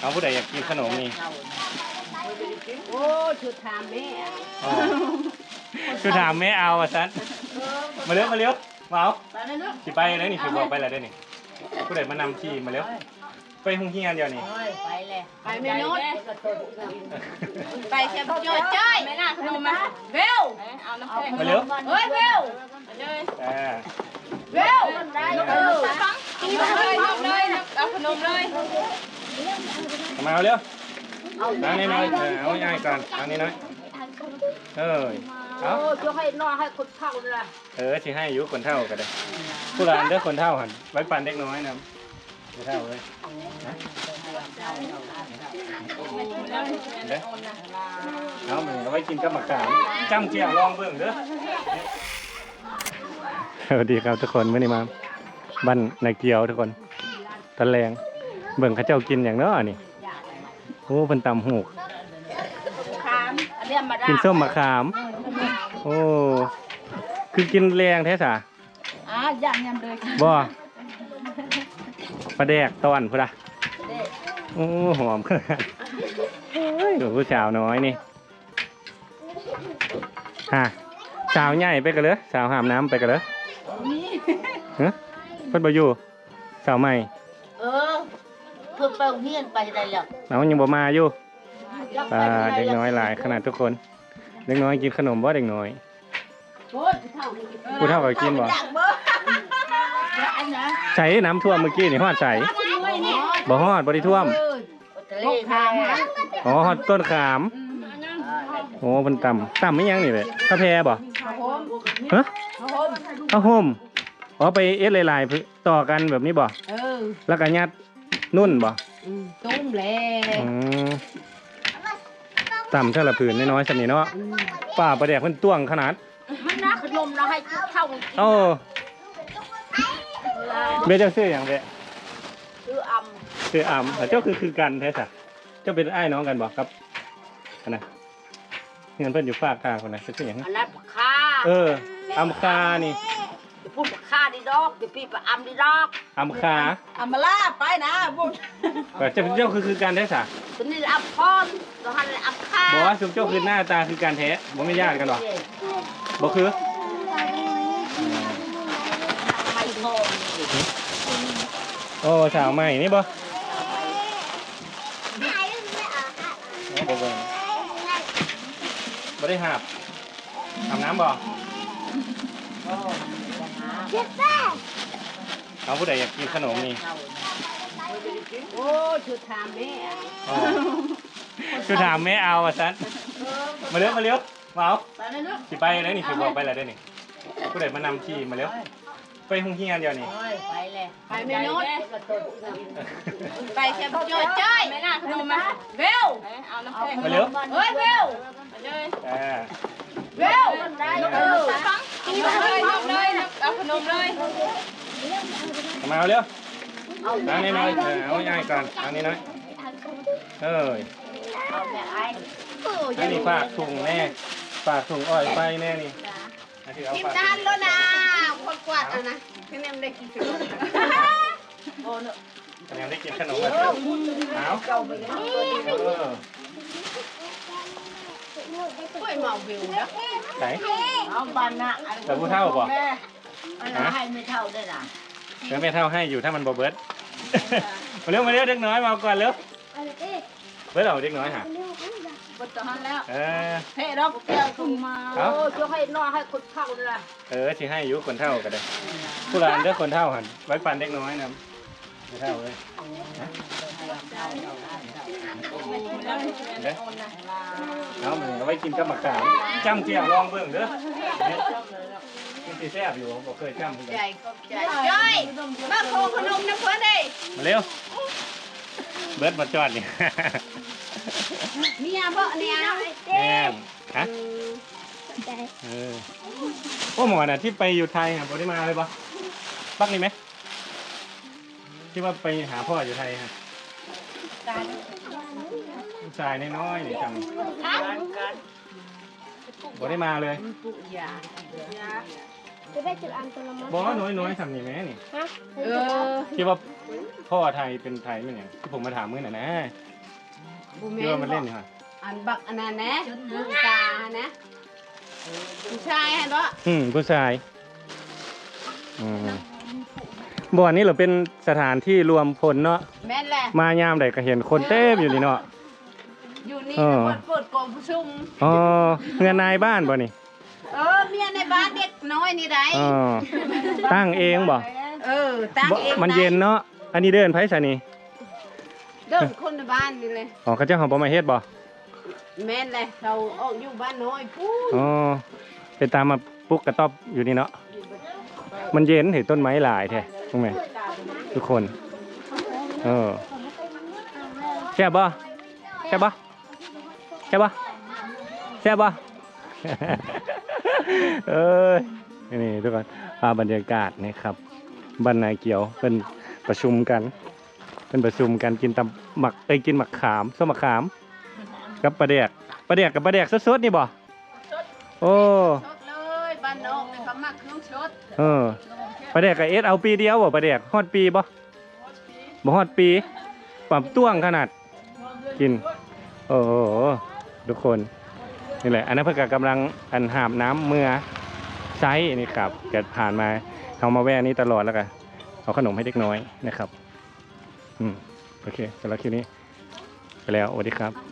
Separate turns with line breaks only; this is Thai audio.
เอาผู้ใดอยากกินขนมนี่
โอ้ชุดถามแม่
ชุดถามแม่เอาอ่ะซันมาเร็วมาเร็วมาเอาสิไปเลยนี่สิบอกไปเลยได้นี่ผู้ใดมานำขี่มาเร็วไปห้องเฮียนเดียวนี่
ไปเลยไปไม่โน้ตไปแค่โจ้จ้อยไม่น่าขนมมาเร็วเอาน้ำแข็ง
มาเร็ว
เฮ้ยเร็วเร็วกินเลยเอาขนมเลย
มาเอาเร็วเอานี่น้อยเอาง่ายก่อนเอานี่น้อยเอา
จะให้น้อยให้คนเท่าเลย
สิให้อายุคนเท่ากันเลยผู้ร้านเด้อคนเท่าหันไว้ปันเด็กน้อยนะคนเท่าเลยเอาหนึ่งเอาไว้กินกับหมักขามจ้ำเจียวลองเบิ่งเด้อสวัสดีครับทุกคนเมื่อนี้มาบ้านนายเกียวทุกคนตะแลงเบิ่งข้าเจ้ากินอย่างน้อนี่โอ้เป็นตำหูกกินส้มมะขามโอ้คือกินแรงแท้สา
อย่างยำเลย
บ่ปลาแดกตอนพุ่นละโอ้หอมขนาดดูผู้สาวน้อยนี่สาวใหญ่ไปกันเลยสาวหามน้ำไปกันเลยเพิ่นบ่อยู่สาวใหม่
เพิ่นไปเฮียนไปได้แล้ว
เรายังบ่มาอยู่เด็กน้อยหลายขนาดทุกคนเด็กน้อยกินขนมบ่เด็กน้อยผู้เฒ่าก็กินบ่ใส่น้ำท่วมเมื่อกี้นี่ฮอดใส่บ่ฮอดบ่ได้ท่วมอ๋อฮอดต้นขามโอ้เพิ่นต่ำไม่ยังนี่เลยกาแฟบ่ฮะข้าวห่มอ๋อไปเอสหลายๆต่อกันแบบนี้บ่แล้วก็ยัดนุ่นบ่
ตุ้มแล้ว
ต่ำเท่าละผืนน้อยๆสันนี่เนาะป่าประแดกเพิ่นต้วงขนาด
มันน่าขนมเราให้เข้า
เบ้เจ้าซื้ออย่างเบ้
ซื้อ
เจ้าคือกันแท้สักเจ้าเป็นไอ้น้องกันบอกครับนะเงินเพิ่นอยู่ฝากค่าคนไหนซื้ออย่างนั้น
อันนั้นค่า
อัมคานี่
พูดค่าดีดอกพี่ไปอัมดีดอก
อัมคา
อัมมาล่าไปนะบุญ
เจ้าคือกันแท้สัก
ตัวนี้อัมพรตัวหันอัมคา
บอกว่าเจ้าคือหน้าตาคือการแท้บอกไม่ญาติกันหรอบอกคือโอ้สาวใหม่นี่บ่บ่ได้หาบอาบน้ำบ่เอาผู้ใดอยากกินขนมนี่
โอ้ชุดถามแม่
ชุดถามแม่เอาอ่ะซันมาเร็วมาเร็วมาเอาสิไปเลยนี่สิบอกไปเลยได้นี่ผู้ใดมานำขี่มาเร็วไปห้องเฮียนเดียวนี่
ไปเลยไปไม่โน้ตไปแค่โจ้จ้อยไม่น่าขนมมาเร็วเอาน้ำแข็ง
มาเร็ว
เฮ้ยเร็วเร็วกินเลยเอาขนมเลย
มาเอาเร็วเอานี่น้อยเอาง่ายก่อนเอานี่น้อยอันนี้ฝากถุงแน่ฝากถุงอ้อยไปแน่นี่
กินจานแล้วนะคนกวาดนะแค่นี้ไม่ได้กินขนม
โอ้เนอะแค่นี้ได้กินขนมแล้วเอา
กล้วยเมาวิวนะ
ไหน
เอาบานนะ
แต่ผู้เท่าบ่
ให้ไม่เท่าได้นะ
แล้วไม่เท่าให้อยู่ถ้ามันบ่เบิร์ดมาเร็วเด็กน้อยมาก่อนเร็วเบิร์ดเอาเด็กน้อยฮะ
บดตอนแล้วเฮ้ดอกเตี้ยถุงมาโอ้จะให้น้อยให้คนเท่าเลย
สิให้อายุคนเท่ากันเลยผู้ร้านเด้อคนเท่าหันไว้ปันเด็กน้อยนะไม่เท่าเลยเอาหนึ่งเอาไว้กินกับหมักขามจ้ำเจียวลองเบิ่งเด้อกินสีแซ่บอยู่บอกเคยจ้ำ
ใจย่อยมาโคขนมน้ำเพื่อนดิ
มาเร็วเบิร์ดมาจอดนี่
เนี่ยบ่เนี่ย
แม่ฮะโอ้หมอน่ะที่ไปอยู่ไทยครับพอได้มาเลยปะปักนี่ไหมที่ว่าไปหาพ่ออยู่ไทยครับชายน้อยๆนี่จังพอได้มาเลยบอกว่าน้อยๆทำนี่ไหมนี่ที่ว่าพ่อไทยเป็นไทยมั้ยเนี่ยที่ผมมาถามเมื่อน่ะนะเชื่อมันเล่นเหรอ
อันบักอันนั้นนะกานะผู้ชายเห็นปะ
ผู้ชายบ่อนนี้เราเป็นสถานที่รวมพลเนาะ
แม่นแหละ
มายามใดก็เห็นคนเต็มอยู่นี่เนาะ
อยู่นี่เปิดกองประชุม
อ๋อเงินนายบ้านบ่นี่
เมียในบ้านเด็กน้อยนี่ได้
อ๋อตั้งเองบ่
ตั้งเอง
มันเย็นเนาะอันนี้เดินไผซะนี่
เดินคนในบ้านนี่เลย
อ๋อเขาเจ้าของบ่มาเฮ็ดบ่
แม่นเลยเราออกอยู่บ้านน้อยพูด
อ๋อไปตามมาปลุกกระต๊อบอยู่นี่เนาะมันเย็นเห็นต้นไม้หลายแท้ถูกไหมทุกคนแซ่บบ่แซ่บบ่แซ่บบ่แซ่บบ่ เอ้ยนี่ทุกคนบรรยากาศนี่ครับบ้านนายเกี่ยวเป็นประชุมกันกินตำหมักกินหมักขามส้มหมักขามกับปลาแดกกับปลาแดกสดๆนี่บ่โอ้
ชดเลยบ้านนอกเขามักเครื่องชด
ปลาแดกกับเอสเอาปีเดียวบ่ปลาแดกฮอดปีบ่ฮอดปีปรับต้วงขนาดกินโอ้โหทุกคนนี่แหละอันนั้นเพื่อกำลังหาบน้ำเมื่อไซส์นี่ครับเกิดผ่านมาเขามาแวะนี้ตลอดแล้วกันเอาขนมให้เด็กน้อยนะครับโอเคสำหรับคลิปนี้ไปแล้วสวัสดีครับ